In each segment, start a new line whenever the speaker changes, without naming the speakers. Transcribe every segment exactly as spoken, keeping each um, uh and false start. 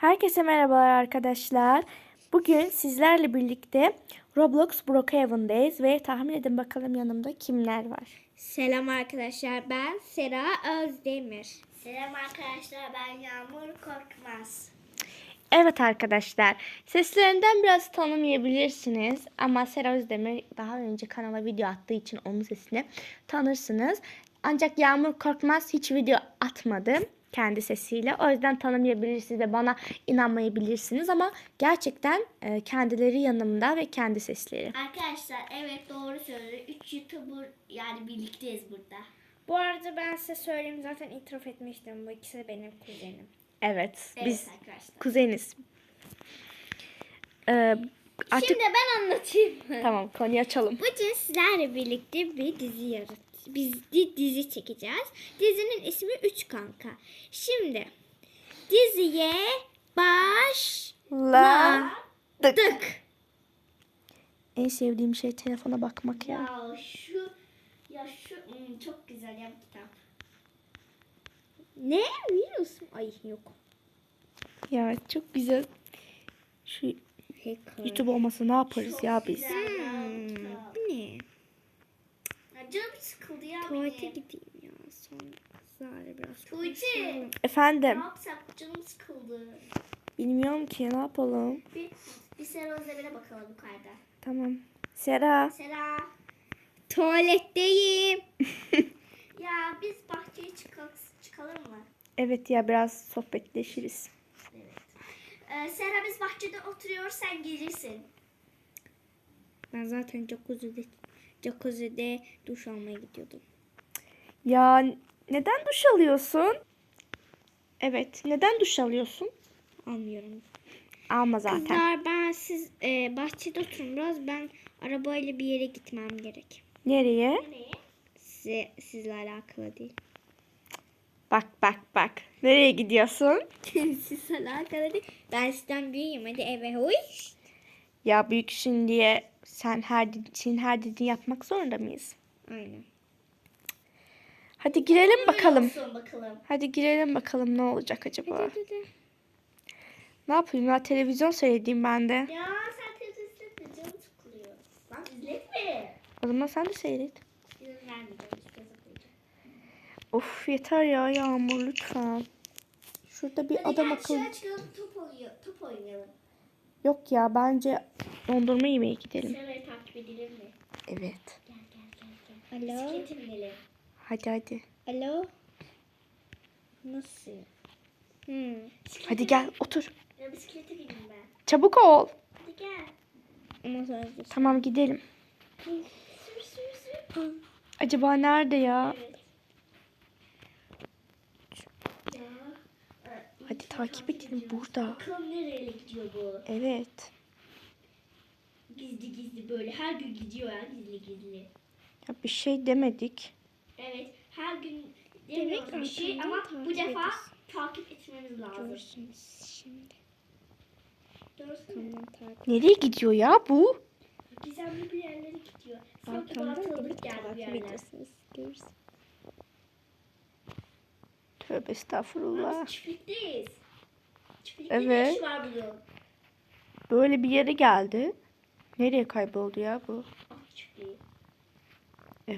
Herkese merhabalar arkadaşlar. Bugün sizlerle birlikte Roblox Brookhaven'dayız ve tahmin edin bakalım yanımda kimler var.
Selam arkadaşlar, ben Sera Özdemir.
Selam arkadaşlar, ben Yağmur Korkmaz.
Evet arkadaşlar, seslerinden biraz tanımayabilirsiniz ama Sera Özdemir daha önce kanala video attığı için onun sesini tanırsınız. Ancak Yağmur Korkmaz hiç video atmadı kendi sesiyle. O yüzden tanımayabilirsiniz ve bana inanmayabilirsiniz ama gerçekten kendileri yanımda ve kendi sesleri.
Arkadaşlar evet doğru söylüyor. Üç YouTuber yani birlikteyiz burada.
Bu arada ben size söyleyeyim, zaten itiraf etmiştim. Bu ikisi de benim kuzenim.
Evet,
Evet
biz
arkadaşlar.
kuzeniz. Ee, artık...
Şimdi ben anlatayım.
Tamam, konuyu açalım.
Bugün sizlerle birlikte bir dizi yarat. Biz di- dizi çekeceğiz. Dizinin ismi Üç Kanka. Şimdi diziye başladık.
En sevdiğim şey telefona bakmak ya.
Ya şu ya şu hmm, çok güzel ya bu kitap.
Ne? Virüs mü? Ay yok.
Ya çok güzel. Şu
Hacker.
YouTube olmasa ne yaparız
Çok
ya biz?
güzel ya bu
Hmm,
kitap.
bu ne?
Ya canım sıkıldı ya
Tuvalete
benim.
gideyim ya. Sonra kızlarla biraz
Tuğçe.
konuşalım.
Ne
Efendim,
yapsak canım sıkıldı.
bilmiyorum ki ne yapalım.
Bir, bir Sera Özdemir'e bakalım yukarıda.
Tamam. Sera.
Sera.
Tuvaletteyim.
Ya biz bahçeye çıkalım, çıkalım mı?
Evet ya, biraz sohbetleşiriz.
Evet. Ee, Sera biz bahçede oturuyoruz, sen gelirsin.
Ben zaten jacuzzi'de, jacuzzi'de duş almaya gidiyordum.
Ya neden duş alıyorsun? Evet, neden duş alıyorsun?
Almıyorum.
Alma zaten.
Kızlar, ben siz e, bahçede oturun biraz. Ben arabayla bir yere gitmem gerek.
Nereye?
Nereye?
Size, sizle alakalı değil.
Bak bak bak. Nereye gidiyorsun?
Sizle alakalı değil. Ben sizden büyüğüm. Hadi eve huy.
Ya büyüksün diye sen her senin her dediğini yapmak zorunda mıyız?
Aynen.
Hadi girelim bakalım.
Olsun bakalım.
Hadi girelim bakalım ne olacak acaba?
Hadi hadi.
Ne yapayım ya, televizyon seyredeyim ben de.
Ya sen televizyon izletme, canım sıkılıyor. Lan izletme.
O zaman sen de seyret.
İzin vermeyeceğim, hiç yazıklayacağım.
Of yeter ya Yağmur, lütfen. Şurada bir
Hadi
adam
gel
akıllı.
dışarı çıkalım, top, oynuyor, top oynayalım.
Yok ya, bence dondurma yemeye gidelim.
Sera'yı takip edelim mi?
Evet.
Gel gel gel. gel.
Alo.
Bisiklete binelim.
Hadi hadi.
Alo. Nasıl? Hmm.
Bisiklete
Hadi gel otur.
Ya bisiklete bineyim ben.
Çabuk ol.
Hadi gel.
Ama sonra
Tamam gidelim.
Sür sür sür.
Acaba nerede ya?
Evet. Ya. e,
Hadi
iyi
takip edelim
ediyoruz.
burada.
Bakalım nereye gidiyor bu?
Evet.
Gizli gizli böyle her gün gidiyor ya gizli gizli.
Ya bir şey demedik.
Evet her gün
Demek
demiyoruz bir şey
arkamdan
ama bu
takip
defa
ediyorsun.
takip etmemiz lazım.
görürsünüz şimdi.
Doğrusu mu?
Tamam, takip.
Nereye gidiyor ya bu?
Gizemli bir yerlere gidiyor. Sanki bana
Arkamdan
tanıdık
evet
geldi bir
takip
yerler.
ediyorsunuz. Görürsünüz.
Tövbe estağfurullah.
Biz çiftlikteyiz. Çiftlikte
Evet.
ne iş var bunun?
Böyle bir yere geldi. Nereye kayboldu ya bu?
Ah çiftliği.
Evet.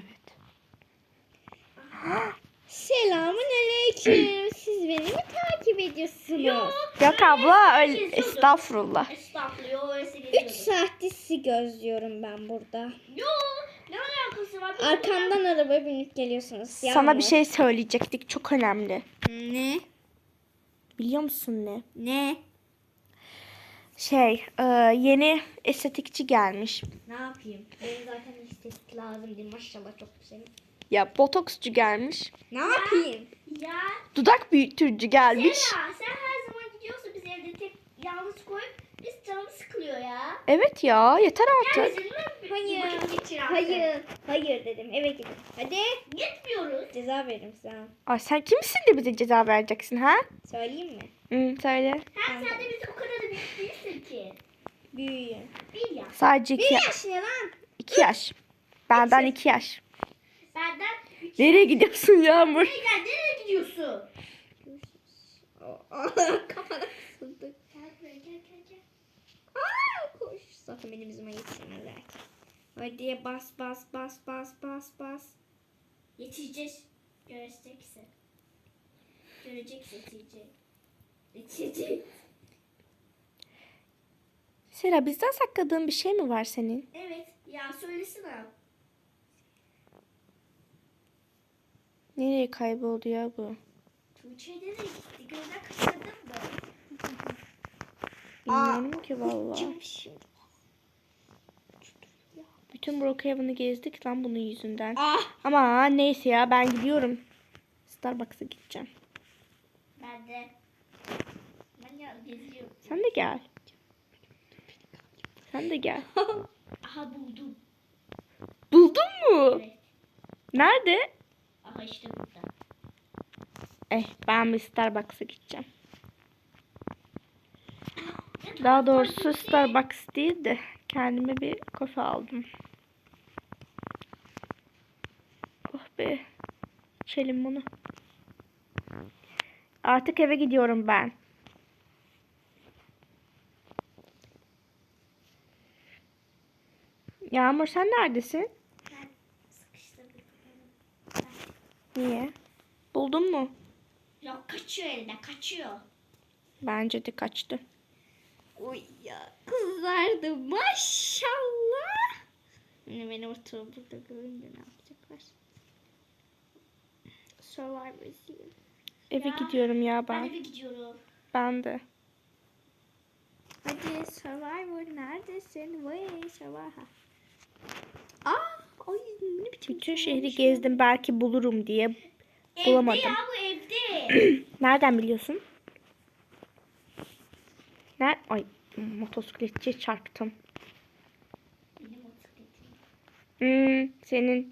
Selamun aleyküm. Siz beni mi takip ediyorsunuz?
Yok.
Yok abla, öyle
geziyordum.
estağfurullah.
Estağfurullah öyleyse
Üç
geziyordum.
saattir sizi gözlüyorum ben burada.
Yok. Ne alakası var? Biz
Arkamdan arabaya binip geliyorsunuz.
Sana
Yağmur.
bir şey söyleyecektik, çok önemli.
Ne?
Biliyor musun ne?
Ne?
Şey, e, yeni estetikçi gelmiş.
Ne yapayım? Benim zaten estetik lazım değil. Maşallah çok güzel.
Ya botoksçu gelmiş.
Ne yapayım?
Ya
Dudak büyütücü gelmiş.
Sera sen her zaman gidiyorsun biz evde tek yalnız koyup biz canımız sıkılıyor ya.
Evet ya, yeter
Gel
artık.
bizimle bir
Hayır.
vakit geçir artık.
Hayır. Hayır dedim. Eve gidin. Hadi.
Gitmiyoruz.
Ceza veririm sana.
Ay sen kimsin de bize ceza vereceksin ha?
Söyleyeyim mi?
Hı, söyle.
Hem sen de biz o kadar da büyük değilsin ki.
Büyüğüm.
Bir yaş.
Sadece iki,
Bir
yaş.
yaş ne lan?
iki yaş. Benden iki yaş.
Benden üç.
Nereye gidiyorsun Yağmur?
Nereye gel? Nereye gidiyorsun?
Kafana kısıldık. Hadi bas bas bas bas bas bas.
Yetişeceğiz. Göreceksin. Göreceksin yetişecek. Yetişecek.
Sera bizden sakladığın bir şey mi var senin?
Evet. Ya söylesene.
Nereye kayboldu ya bu?
Tuğçe nereye gitti? Gözden kaçırdın mı?
Bilmiyorum ki vallahi.
Kim şimdi?
Bütün Brookhaven'ı gezdik lan bunun yüzünden.
Ah!
Ama neyse ya ben gidiyorum. Starbucks'a gideceğim.
Ben de. Ben ya geziyorum.
Sen de gel. Sen de gel.
Aha buldum.
Buldun mu?
Evet.
Nerede?
Aha işte burada.
Eh ben bir Starbucks'a gideceğim. Daha doğrusu Starbucks değil de kendime bir kafe aldım. Oh be. İçelim bunu. Artık eve gidiyorum ben. Yağmur sen neredesin?
Ben sıkıştırdım.
Niye? Buldun mu?
Yok kaçıyor elinden kaçıyor.
Bence de kaçtı.
Oy ya kızlardı maşallah. Yine beni oturup burada görünce ne yapacaklar? Survivor izleyeyim.
Eve
Ya,
gidiyorum ya
Ben
ben.
eve gidiyorum.
Ben de.
Hadi Survivor neredesin? Vay Survivor. Aa, ay ne biçim
Bütün
sormuş
şehri
ya.
gezdim belki bulurum diye.
Evde
Bulamadım.
ya bu evde.
Nereden biliyorsun? Ner Ay motosikletçiye çarptım.
Benim motosikletim.
Hmm, senin.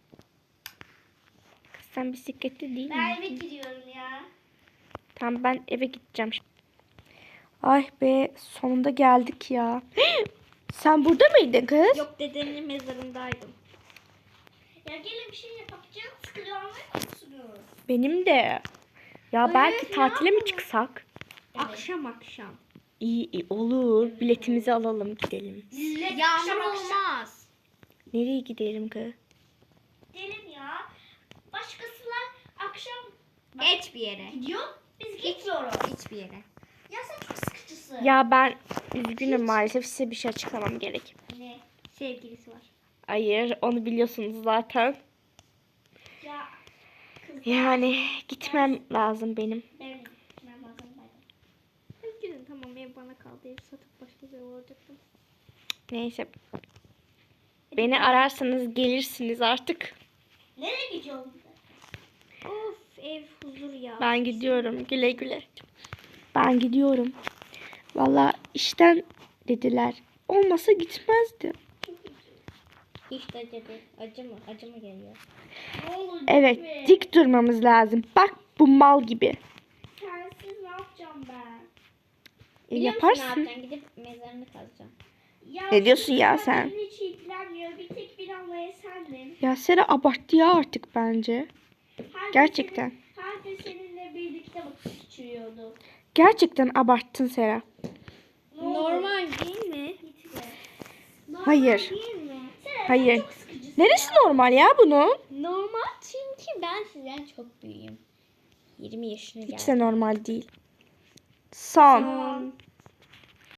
Kız sen bisikletli değil
Ben
mi?
eve gidiyorum ya.
Tamam ben eve gideceğim. Ay be sonunda geldik ya. Sen burada mıydın kız?
Yok dedenin mezarındaydım.
Ya gelin bir şey yapacağız. Sıkılanmıyor musunuz?
Benim de. Ya belki
ne
tatile mi
yapalım?
çıksak?
Evet.
Akşam akşam.
İyi, iyi olur. Biletimizi alalım gidelim.
Zillet
Yağmur
akşam akşam
olmaz.
Nereye gidelim kız?
gidelim ya. Başkasılar akşam
Hiçbir yere.
gidiyor. Biz gitmiyoruz.
Hiçbir yere.
Ya sen çok sıkıcısın.
Ya ben üzgünüm maalesef size bir şey açıklamam gerek.
Ne?
Sevgilisi var.
Hayır onu biliyorsunuz zaten.
Ya kız
Yani gitmem lazım benim.
benim gitmem lazım.
Hadi gidin tamam ev bana kaldı. Ev satıp başka bir ev alacaktım.
Neyse. Beni ararsanız gelirsiniz artık.
Nereye gidiyorsun?
Of ev huzur ya.
Ben gidiyorum güle güle. Ben gidiyorum. Valla işten dediler. Olmasa gitmezdim.
İşte acıdı. Acı mı? Acı mı geliyor?
Ne olur
Evet
gitme.
dik durmamız lazım. Bak bu mal gibi.
Sensiz ne yapacağım ben?
E,
Biliyor musun
yaparsın.
ne yapacağım? Gidip mezarını kazacağım.
Ya
Ne diyorsun ya
kimse
sen?
beni hiç ilgilenmiyor. Bir tek bir anlaya sendim.
Ya Sera abarttı ya artık bence.
Her gün
Gerçekten.
senin- her gün seninle birlikte vakit geçiriyordu.
Gerçekten abarttın Sera.
Ne oldu?
Normal değil mi?
Gitme. Normal
Hayır.
değil mi? Sen
Hayır.
çok sıkıcısın
Neresi
ya.
normal ya bunun?
Normal çünkü ben sizden çok büyüğüm. yirmi yaşına
Hiç
geldim.
de normal değil. Son.
Tamam.